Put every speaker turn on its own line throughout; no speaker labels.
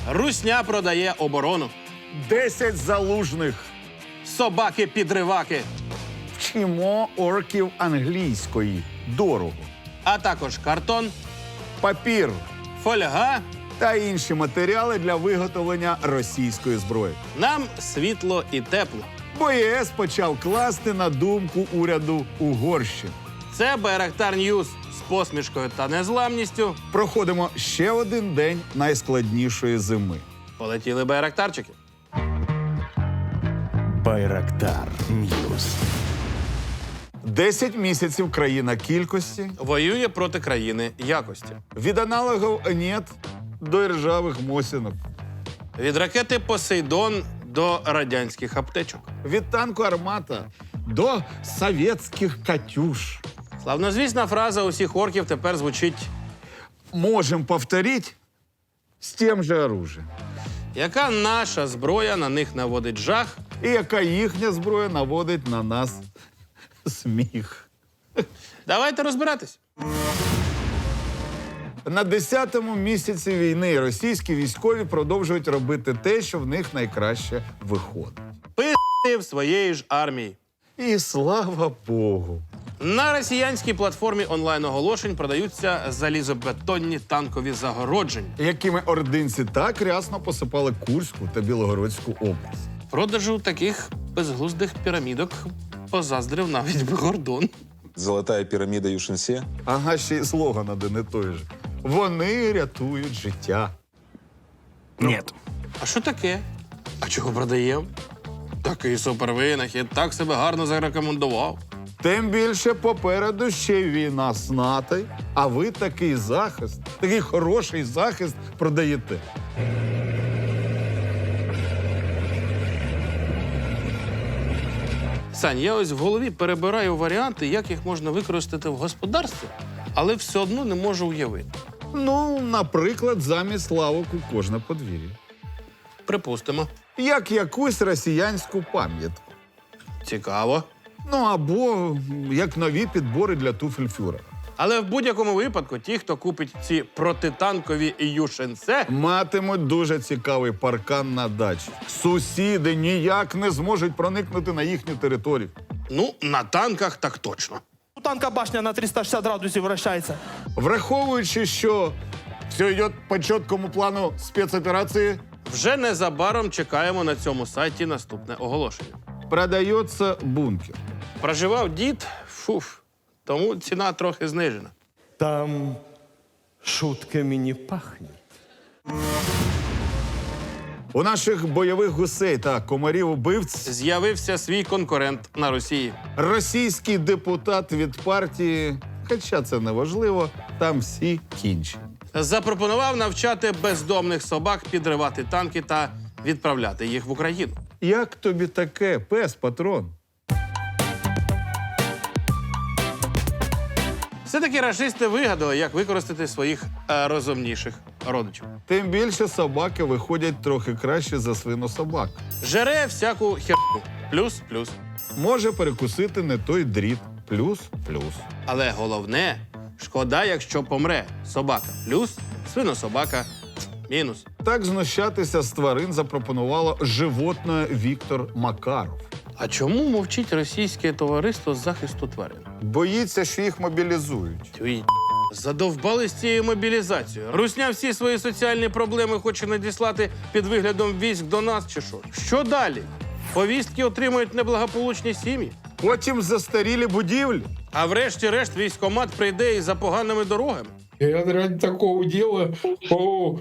Русня продає оборону.
10 залужних.
Собаки-підриваки.
Вчимо орків англійської. Дорого.
А також картон,
Папір
фольга.
та інші матеріали для виготовлення російської зброї.
Нам світло і тепло.
Бо ЄС почав класти на думку уряду Угорщини.
Це Байрактар Ньюс з посмішкою та незламністю.
Проходимо ще один день найскладнішої зими.
Полетіли байрактарчики.
Байрактар Ньюс.
10 місяців країна кількості.
Воює проти країни якості.
Від аналогів «нет» до іржавих мосінок.
Від ракети «Посейдон» до радянських аптечок.
Від танку «Армата» до совєтських «Катюш».
Славнозвісна фраза усіх орків тепер звучить:
Можем повторить з тим же оружием.
яка наша зброя на них наводить жах.
І яка їхня зброя наводить на нас сміх.
Давайте розбиратись.
На 10-му місяці війни російські військові продовжують робити те, що в них найкраще виходить.
Пи***и в своєї ж армії.
І слава Богу.
На росіянській платформі онлайн-оголошень продаються залізобетонні танкові загородження.
Якими ординці так рясно посипали Курську та Білогородську область.
Продажу таких безглуздих пірамідок позаздрив навіть Гордон.
Золотая пирамида Юшинсе.
Ага, ще й слоган один і той же. Вони рятують життя.
Нет.
А що таке? А чого продаємо? Такий супервинахід, так себе гарно зарекомендував.
Тим більше попереду ще й війна з НАТО, а ви такий захист, такий хороший захист продаєте.
Сань, я ось в голові перебираю варіанти, як їх можна використати в господарстві, але все одно не можу уявити.
Ну, наприклад, замість лавок у кожне подвір'я.
Припустимо.
Як якусь росіянську пам'ятку.
Цікаво.
Ну, або як нові підбори для туфель фюрера.
Але в будь-якому випадку ті, хто купить ці протитанкові юшенце,
Матимуть дуже цікавий паркан на дачі. Сусіди ніяк не зможуть проникнути на їхню територію.
ну, на танках так точно.
У танка башня на 360 градусів вращається.
Враховуючи, що все йде по чіткому плану спецоперації,
Вже незабаром чекаємо на цьому сайті наступне оголошення.
продається бункер.
Проживав дід, тому ціна трохи знижена.
Там шутками не пахне.
У наших бойових гусей та комарів-убивць
З'явився свій конкурент на Росії.
російський депутат від партії, хоча це не важливо, там всі кінчені.
Запропонував навчати бездомних собак підривати танки та відправляти їх в Україну.
Як тобі таке, пес-патрон?
Все-таки рашисти вигадали, як використати своїх розумніших родичів.
Тим більше собаки виходять трохи краще за свинособак.
Жере всяку херню. Плюс-плюс.
Може перекусити не той дріт. Плюс-плюс.
Але головне, шкода, якщо помре собака. Плюс, свинособака. Мінус.
Так знущатися з тварин запропонувало животне Віктор Макаров.
А чому мовчить російське товариство з захисту тварин?
Боїться, що їх мобілізують.
Тюй, задовбали з цією мобілізацією. Русня всі свої соціальні проблеми хоче надіслати під виглядом військ до нас чи що? Що далі? Повістки отримують неблагополучні сім'ї.
Потім застарілі будівлі.
А врешті-решт військкомат прийде і за поганими дорогами.
Я ради такого дела. О,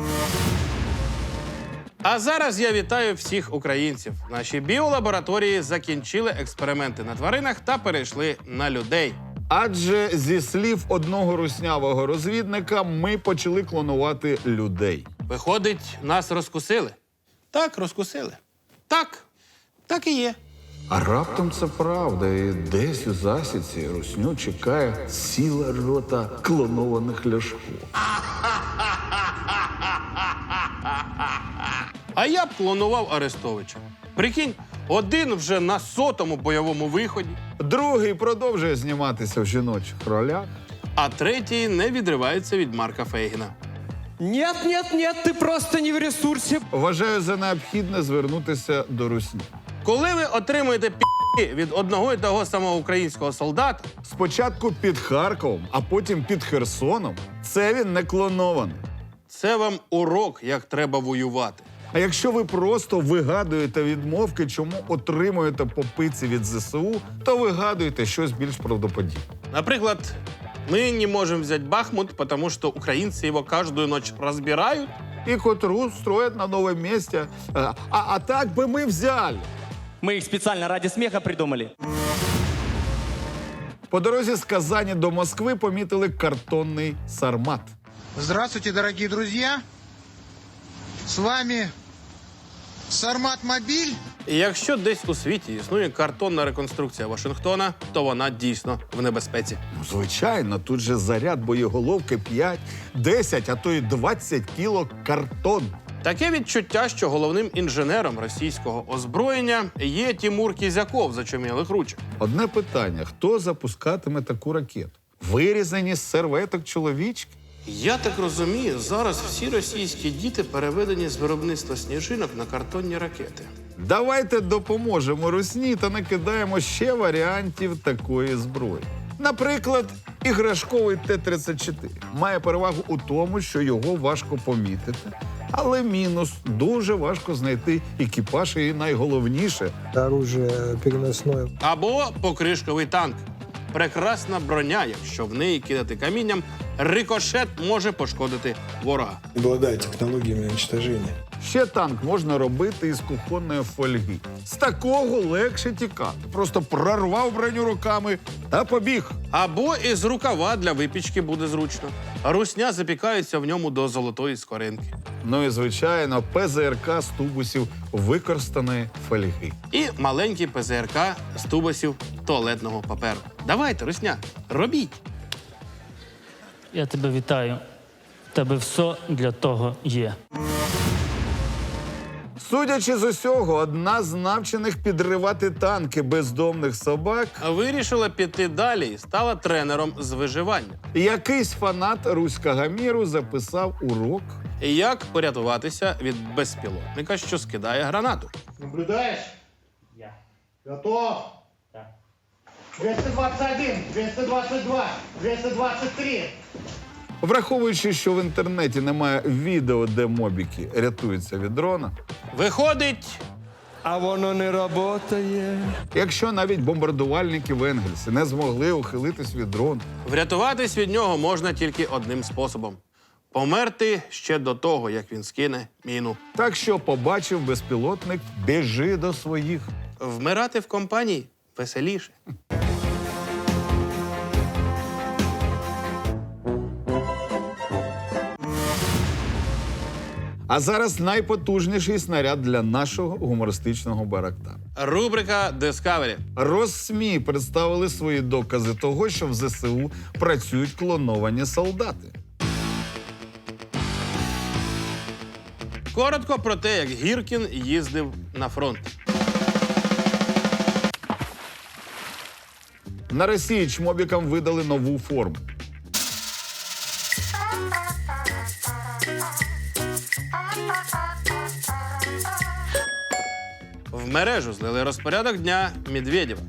А зараз я вітаю всіх українців. Наші біолабораторії закінчили експерименти на тваринах та перейшли на людей.
Адже зі слів одного руснявого розвідника ми почали клонувати людей.
Виходить, нас розкусили? Так, розкусили. Так і є.
А раптом це правда, і десь у засідці русню чекає ціла рота клонованих Ляшко.
А я б клонував Арестовича. Прикинь, один вже на 100-му бойовому виході,
Другий продовжує зніматися в жіночих ролях.
а третій не відривається від Марка Фейгіна.
Нет, нет, нет, ты просто не в ресурсе.
Вважаю за необхідне звернутися до русні.
Коли ви отримуєте пі***і від одного і того самого українського солдата,
Спочатку під Харковом, а потім під Херсоном, це він не клонований.
це вам урок, як треба воювати.
А якщо ви просто вигадуєте відмовки, чому отримуєте по пиці від ЗСУ, то вигадуйте щось більш правдоподібне.
Наприклад, мы не можем взять Бахмут, потому что украинцы его каждую ночь разбирают.
І котру строять на новому місці. А так би ми взяли.
Мы их специально ради смеха придумали.
По дорозі з Казані до Москви помітили картонний сармат.
Здравствуйте, дорогие друзья! С вами Сармат Мобиль.
І якщо десь у світі існує картонна реконструкція Вашингтона, то вона дійсно в небезпеці.
Ну, звичайно, тут же заряд боєголовки 5, 10, а то й 20 кіло картон.
Таке відчуття, що головним інженером російського озброєння є Тімур Кізяков з очумілих ручок.
Одне питання: хто запускатиме таку ракету? Вирізані з серветок чоловічки?
Я так розумію, зараз всі російські діти переведені з виробництва сніжинок на картонні ракети.
Давайте допоможемо русні та накидаємо ще варіантів такої зброї. Наприклад, іграшковий Т-34 має перевагу у тому, що його важко помітити, але мінус – дуже важко знайти екіпаж і найголовніше –
Оружие переносное.
Або покришковий танк. Прекрасна броня, якщо в неї кидати камінням, рикошет може пошкодити ворога.
Обладает технологиями уничтожения.
Ще танк можна робити із кухонної фольги. З такого легше тікати. Просто прорвав броню руками та побіг.
Або із рукава для випічки буде зручно. Русня запікається в ньому до золотої скоринки.
Ну і, звичайно, ПЗРК з тубусів використаної фольги.
І маленький ПЗРК з тубусів туалетного паперу. Давайте, Русня, робіть.
Я тебе вітаю. В тебе все для того є.
Судячи з усього, одна з навчених підривати танки бездомних собак
Вирішила піти далі і стала тренером з виживання.
якийсь фанат руського міру записав урок.
Як порятуватися від безпілотника, що скидає гранату.
Наблюдаешь? Я. Готов? Да. 221, 222, 223.
Враховуючи, що в інтернеті немає відео, де мобіки рятуються від дрона,
Виходить,
А воно не работає.
якщо навіть бомбардувальники в Енгельсі не змогли ухилитись від дрону,
врятуватись від нього можна тільки одним способом – померти ще до того, як він скине міну.
так що побачив безпілотник, біжи до своїх.
Вмирати в компанії веселіше.
А зараз найпотужніший снаряд для нашого гумористичного барактана.
Рубрика Discovery.
Росмі представили свої докази того, що в ЗСУ працюють клоновані солдати.
Коротко про те, як Гіркін їздив на фронт.
На Росії чмобікам видали нову форму.
В мережу злили розпорядок дня Медведєва.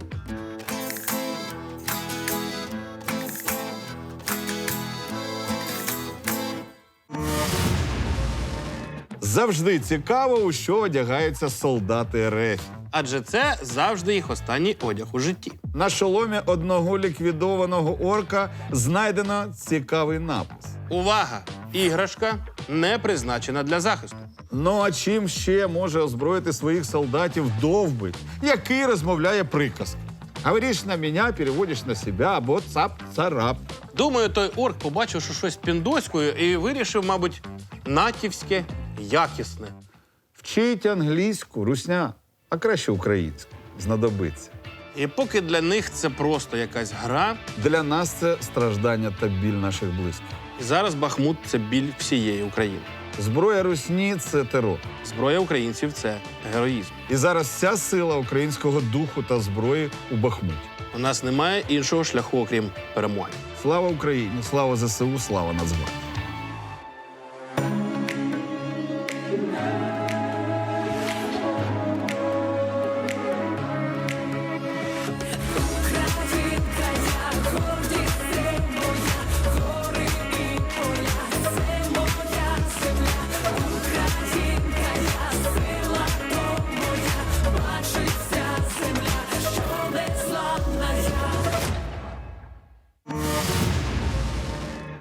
Завжди цікаво, у що одягаються солдати РФ.
Адже це завжди їх останній одяг у житті.
На шоломі одного ліквідованого орка знайдено цікавий напис.
Увага! Іграшка не призначена для захисту.
Ну а чим ще може озброїти своїх солдатів довбик, який розмовляє приказки? Говориш на мене, переводиш на себе або цап-царап.
Думаю, той орк побачив, що щось піндоською і вирішив, мабуть, натівське, якісне.
Вчить англійську, русня, а краще українську. Знадобиться.
І поки для них це просто якась гра,
Для нас це страждання та біль наших близьких.
зараз Бахмут – це біль всієї України.
Зброя русні – це терор.
Зброя українців – це героїзм.
І зараз вся сила українського духу та зброї у Бахмуті.
У нас немає іншого шляху, окрім перемоги.
Слава Україні, слава ЗСУ, слава Нацгвардії.